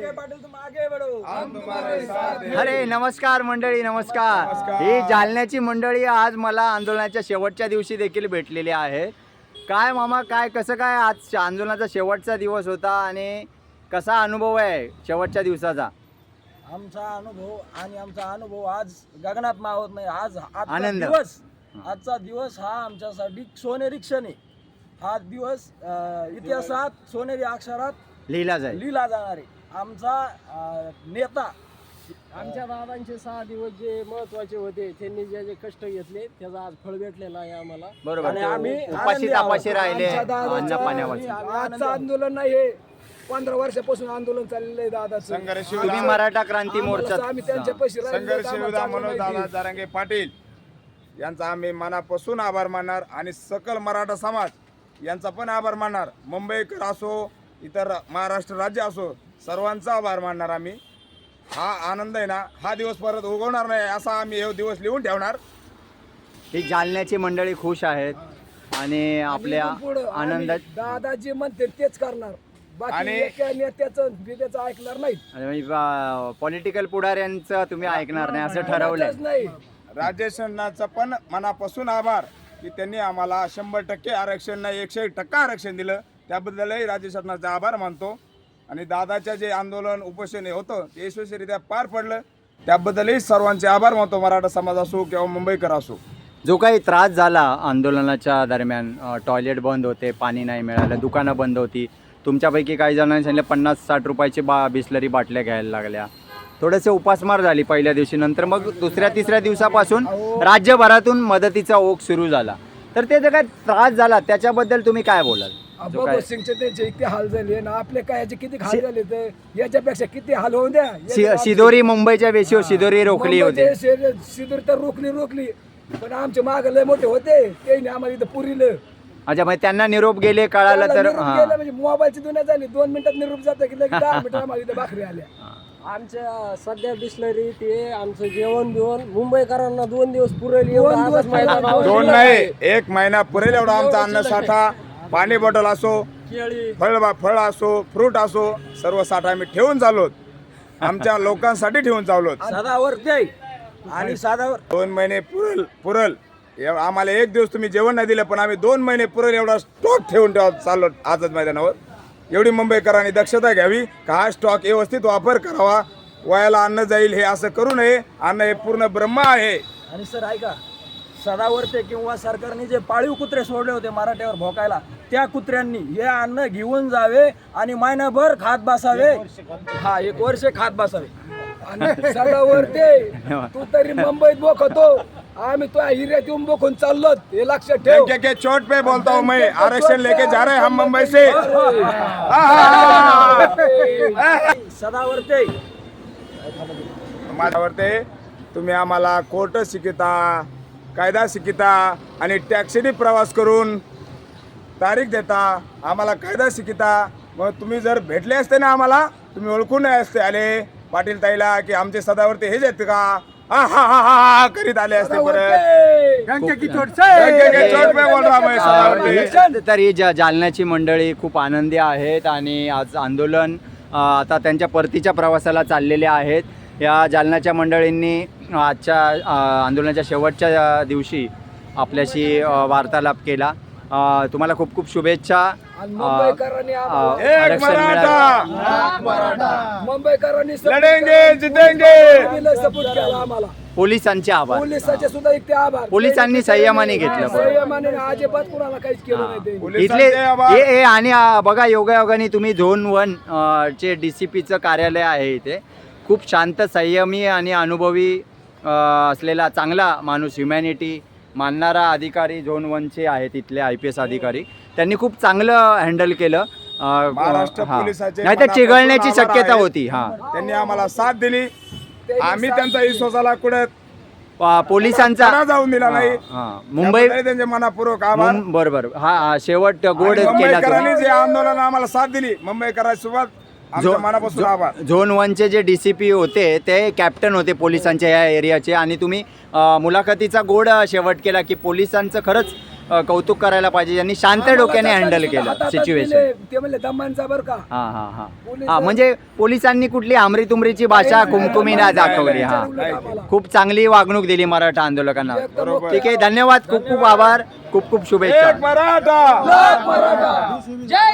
अरे नमस्कार मंडळी, नमस्कार. ही जालन्याची मंडळी आज मला आंदोलनाच्या शेवटच्या दिवशी देखील भेटलेली आहे. काय मामा, काय कसं काय आज आंदोलनाचा शेवटचा दिवस होता आणि कसा अनुभव आहे शेवटच्या दिवसाचा? आमचा अनुभव आज गगनात मावत नाही. आनंद. आजचा दिवस हा आमच्यासाठी सोनेरी क्षण आहे. हा दिवस इतिहासात सोनेरी अक्षरात लिहिला जाईल. जाणार आहे. आमचा नेता आमच्या दादांचे 6 दिवस जे महत्वाचे होते, त्यांनी जे जे कष्ट घेतले त्याचा आज फळ भेटलेला आहे आम्हाला. बरोबर. आणि आम्ही उपाशी तापाशी राहिले अन्न पाण्यावर. आजचं आंदोलन नाही, हे 15 वर्षापासून आंदोलन चाललेलं आहे दादाचं. तुम्ही मराठा क्रांती मोर्चा आम्ही त्यांच्या पैसे संघर्ष योद्धा मनोज दादा जरांगे पाटील यांचा आम्ही मनापासून आभार मानणार आणि सकल मराठा समाज यांचा पण आभार मानणार. मुंबईकर असो, इतर महाराष्ट्र राज्य असो, सर्वांचा आभार मानणार आम्ही. हा आनंद आहे ना, हा दिवस परत उगवणार नाही असा आम्ही हे दिवस लिहून ठेवणार. ही जालन्याची मंडळी खुश आहेत आणि आपल्या आनंदात दादा जे म्हणते तेच करणार. बाकी एका नेत्याचं ऐकणार नाही. पॉलिटिकल पुढाऱ्यांचं तुम्ही ऐकणार नाही असं ठरवलंय. नाही. राजेश अण्णांचा पण मनापासून आभार की त्यांनी आम्हाला 100% आरक्षण नाही 101% आरक्षण दिलं. त्याबद्दलही राजेश अण्णांचा आभार मानतो. आणि दादाच्या जे आंदोलन उपोषण होतं ते यशस्वीरित्या पार पडलं, त्याबद्दलही सर्वांचे आभार मानतो. मराठा समाज असो किंवा मुंबईकर असो. जो काही त्रास झाला आंदोलनाच्या दरम्यान, टॉयलेट बंद होते, पाणी नाही मिळालं, दुकानं बंद होती, तुमच्यापैकी काही जणांनी सांगितलं 50-60 रुपयाची बिस्लरी बाटल्या घ्यायला लागल्या, थोडेसे उपासमार झाली पहिल्या दिवशी. नंतर मग दुसऱ्या-तिसऱ्या दिवसापासून राज्यभरातून मदतीचा ओघ सुरू झाला. तर ते जे काय त्रास झाला त्याच्याबद्दल तुम्ही काय बोलाल? भगत सिंगचे त्यांचे इतके हाल झाले ना, आपले काय याचे किती हाल झाले, तर याच्यापेक्षा किती हाल होऊन द्या. शिदोरी मुंबईच्या वेशीवर शिदोरी रोखली होती. शिदोरी तर रोखली, पण आमचे माग लय मोठे होते, ते आम्हाला इथं पुरीलं. अच्छा, मग त्यांना निरोप गेले कळालं तर म्हणजे मोबाईलची दुनिया झाली. 2 मिनिटात निरोप जातं की लगेच 10 मिनिटात आम्हाला इथं भाकरी आल्या. आमच्या सध्या बिस्लरी ते आमचं जेवण बिवण मुंबईकरांना 2 दिवस पुरेल. 2 नाही 1 महिना पुरेल एवढा आमचा अन्नसाठा. पाणी बॉटल असो, केळी, फळ असो, फ्रूट असो, सर्व साठा आम्ही ठेवून चाललोत. आमच्या लोकांसाठी ठेवून चाललोत. साधावर ते आणि साधावर 2 महिने पुरल आम्हाला. 1 दिवस तुम्ही जेवण नाही दिलं, पण आम्ही 2 महिने पुरेल एवढा स्टॉक ठेवून चाललो आझाद मैदानावर. एवढी मुंबईकरांनी दक्षता घ्यावी का हा स्टॉक व्यवस्थित वापर करावा. वयाला अन्न जाईल हे असं करू नये. अन्न हे पूर्ण ब्रह्म आहे. आणि सर ऐका, सदावर्ते किंवा सरकारने जे पाळीव कुत्रे सोडले होते मराठ्यावर भोकायला, त्या कुत्र्यांनी हे अन्न घेऊन जावे आणि महिनाभर खात बसावे. 1 वर्ष खात बसावे. आणि सदावर्ते तू तरी मुंबईत बोखतो, आम्ही तो हिऱ्यात येऊन बोखून चाललो, हे लक्षात ठेव. के चोट पे बोलता हूँ मैं, आरक्षण लेके जा रहे हम मुंबई से. सदावर्ते माझ्यावरते तुम्ही आम्हाला कोर्ट शिकिता, कायदा शिकिता आणि टॅक्सीने प्रवास करून तारीख देता, आम्हाला कायदा शिकिता. मग तुम्ही जर भेटले असते ना आम्हाला, तुम्ही ओळखून नाही असते आले पाटील ताईला की आमचे सदावर्ते हेच आहेत का, हा करीत आले असते. तर ही जालन्याची मंडळी खूप आनंदी आहेत आणि आज आंदोलन आता त्यांच्या परतीच्या प्रवासाला चाललेले आहेत. या जालन्याच्या मंडळींनी आजच्या आंदोलनाच्या शेवटच्या दिवशी आपल्याशी वार्तालाप केला. तुम्हाला खूप खूप शुभेच्छा. पोलिसांचे आभार. पोलिसांनी संयमाने घेतलं. अजिबात कुणाला काहीच केलं नाही. इथले आणि बघा, योगायोगाने तुम्ही झोन 1 चे DCPचं कार्यालय आहे इथे. खूप शांत, संयमी आणि अनुभवी असलेला चांगला माणूस, ह्युमॅनिटी मानणारा अधिकारी झोन 1चे आहेत इथले IPS अधिकारी. त्यांनी खूप चांगलं हँडल केलं. महाराष्ट्र पोलिसाचे नाही तर चिघळण्याची शक्यता होती. त्यांनी आम्हाला साथ दिली. आम्ही त्यांचा विश्वासाला कुठे पोलिसांचा जाऊन दिला नाही. मुंबई त्यांचे मनापूर्वक आभार. बरोबर. हा शेवट गोड केला. मुंबईकरांनी जे आंदोलन आम्हाला साथ दिली, मुंबईकरांसोबत मनापासून आभार. झोन 1चे जे DCP होते ते कॅप्टन होते पोलिसांच्या या एरियाचे आणि तुम्ही मुलाखतीचा गोड शेवट केला की पोलिसांचं खरंच कौतुक करायला पाहिजे, यांनी शांत डोक्याने हँडल केलं सिच्युएशन. ते म्हणले दमांचा बरं का. हां हां हां हां, म्हणजे पोलिसांनी कुठली आमरी तुमरीची भाषा कुमकुमी नाही दाखवली. हां, खूप चांगली वागणूक दिली मराठा आंदोलकांना. ठीक आहे, धन्यवाद, खूप खूप आभार, खूप खूप शुभेच्छा. एक मराठा. जय